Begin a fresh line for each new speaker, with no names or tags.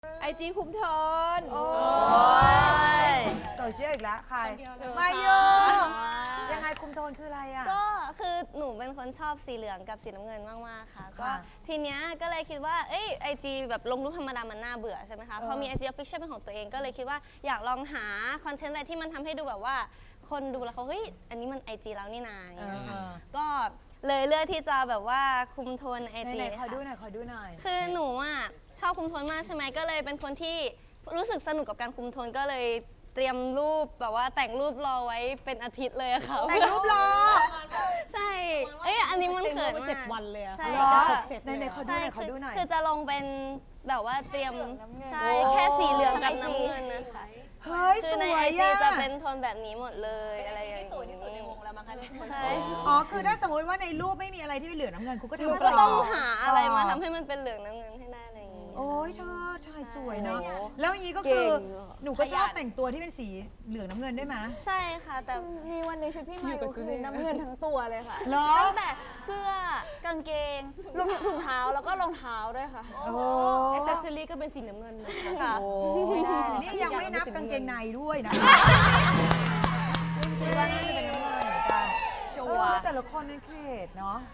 IG คุมโทน
โอ้ยโซเชียลอีกแล้วใครมาโยยังไงคุมโทนคืออะไรอ่ะ
ก็คือหนูเป็นคนชอบสีเหลืองกับสีน้ำเงินมากๆค่ะก็ทีเนี้ยก็เลยคิดว่าไอจีแบบลงรูปธรรมดามันน่าเบื่อใช่ไหมคะพอมี IG Official เป็นของตัวเองก็เลยคิดว่าอยากลองหาคอนเทนต์อะไรที่มันทำให้ดูแบบว่าคนดูแล้วเขาเฮ้ยอันนี้มัน IG แล้วนี่นาอย่างเงี้ยก็เลยเลือกที่จะแบบว่าคุมโทน IG
ไหนๆขอดูหน่อยขอดูหน่อย
คือหนูอ่ะชอบคุมโทนมากใช่ไหมก็เลยเป็นคนที่รู้สึกสนุกกับการคุมโทนก็เลยเตรียมรูปแบบว่าแต่งรูปรอไว้เป็นอาทิตย์เลยอะค่ะ
แต่งรูปรอ
ใช่อันนี้มันเขินมาก
7 วันเลยอะ
ใช่
เหรอ
ครบเสร็จเลย
ไหนๆขอดูหน่อยขอดูหน่อย
คือจะลงเป็นแบบว่าเตรียมใช่แค่สีเหลืองกับน้ำเงินนะคะ
เฮ้ย
คื
ส
อใน
ว
ไอย จี
อ่ะ
จะเป็นโทนแบบนี้หมดเลยอะไรอย่างนี้
สวยที่สุดในวงแล้วมั้งคะที่สวย
ใช่
อ๋อคือถ้าสมมติว่าในรูปไม่มีอะไรที่เป็นเหลืองน้ำเงินคุณก็
หนู
ทำ
ก็ต้อง
ปล
หาอะไรมาทำให้มันเป็นเหลืองน้ำเงินให้ได้อะไรอย่างนี้
โอ้ยเธอถ่ายสวยเนาะแล้วอย่างนี้ก็คือหนูก็ชอบแต่งตัวที่เป็นสีเหลืองน้ำเงินได้ไหม
ใช่ค่ะแต่
มีวันหนึงชุดพี่มายุคือน้ำเงินทั้งตัวเลยค่ะ
เหรอ
ตั้งแต่เสื้อกางเกงรวมถึงถุงเท้าแล้วก็รองเท้าด้วยค่ะ
โอ้
แอคเซสซอรี่ก็เป็นสีน้ำเงินนะ
ค่ะ
นี่ยังไม่นับกางเกงในด้วยนะคิดว่าน่าจะเป็นน้ำเงินเหมือนกัน
ชัว
เอ
ร์
อแต่ละคนนี่เครีเอทเนาะ